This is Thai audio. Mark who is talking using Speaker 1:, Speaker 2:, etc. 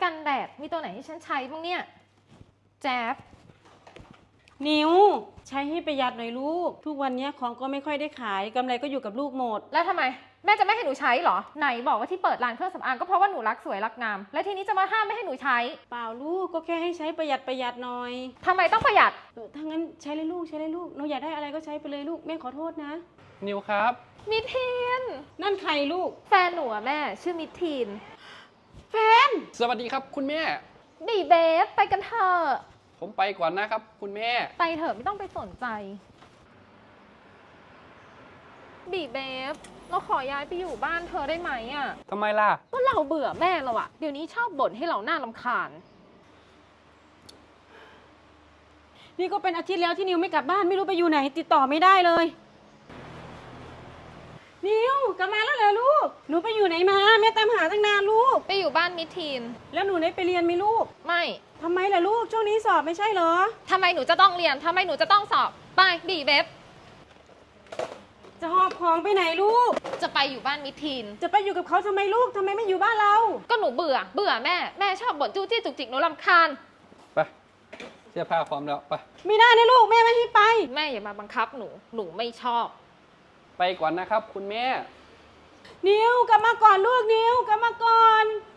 Speaker 1: กันแดดมีตัวไหนให้ฉันใช้บ้างเนี่ยแจ๊บ
Speaker 2: นิวใช้ให้ประหยัดหน่อยลูกทุกวันนี้ของก็ไม่ค่อยได้ขายกำไรก็อยู่กับลูกหมด
Speaker 1: แล้วทำไมแม่จะไม่ให้หนูใช้เหรอไหนบอกว่าที่เปิดร้านเครื่องสำอางก็เพราะว่าหนูรักสวยรักงามและทีนี้จะมาห้ามไม่ให้หนูใช้
Speaker 2: เปล่าลูกก็แค่ให้ใช้ประหยัดหน่อย
Speaker 1: ทำไมต้องประหยัด
Speaker 2: ถ้างั้นใช้เลยลูกหนูอยากได้อะไรก็ใช้ไปเลยลูกแม่ขอโทษนะ
Speaker 3: นิวครับ
Speaker 1: มิทีน
Speaker 2: นั่นใครลูก
Speaker 1: แฟนหนูอะแม่ชื่อมิทีน
Speaker 2: แฟน
Speaker 3: สวัสดีครับคุณแม่
Speaker 1: บีเบฟไปกันเถอะ
Speaker 3: ผมไปก่อนนะครับคุณแม่
Speaker 1: ไปเถอะไม่ต้องไปสนใจบีเบฟเราขอย้ายไปอยู่บ้านเธอได้ไหมอ่ะ
Speaker 3: ทำไมล่ะ
Speaker 1: ก็เราเบื่อแม่เราอะเดี๋ยวนี้ชอบบ่นให้เราหน้ารำคาญ
Speaker 2: นี่ก็เป็นอาทิตย์แล้วที่นิวไม่กลับบ้านไม่รู้ไปอยู่ไหนติดต่อไม่ได้เลยนิวกลับมาแล้วเหรอลูกหนูไปอยู่ไหนมาแม่ตามหาตั้งนานลูก
Speaker 1: ไปอยู่บ้านมิทีน
Speaker 2: แล้วหนูได้ไปเรียนไหมลูก
Speaker 1: ไม่
Speaker 2: ทำไมล่ะลูกช่วงนี้สอบไม่ใช่เหรอ
Speaker 1: ทำไมหนูจะต้องเรียนทำไมหนูจะต้องสอบไปบีเบฟ
Speaker 2: จะหอบของไปไหนลูก
Speaker 1: จะไปอยู่บ้านมิทีน
Speaker 2: จะไปอยู่กับเขาทำไมลูกทำไมไม่อยู่บ้านเรา
Speaker 1: ก็หนูเบื่อแม่ชอบบ่นจู้จี้จุกจิกหนูรำคาญ
Speaker 3: ไปเสื้อผ้าพร้อมแล้วไป
Speaker 2: ไม่ได้นะลูกแม่ไม่ให้ไป
Speaker 1: แม่อย่ามาบังคับหนูไม่ชอบ
Speaker 3: ไปก่อนนะครับคุณแม่
Speaker 2: นิวกลับมาก่อนลูกนิวกลับมาก่อน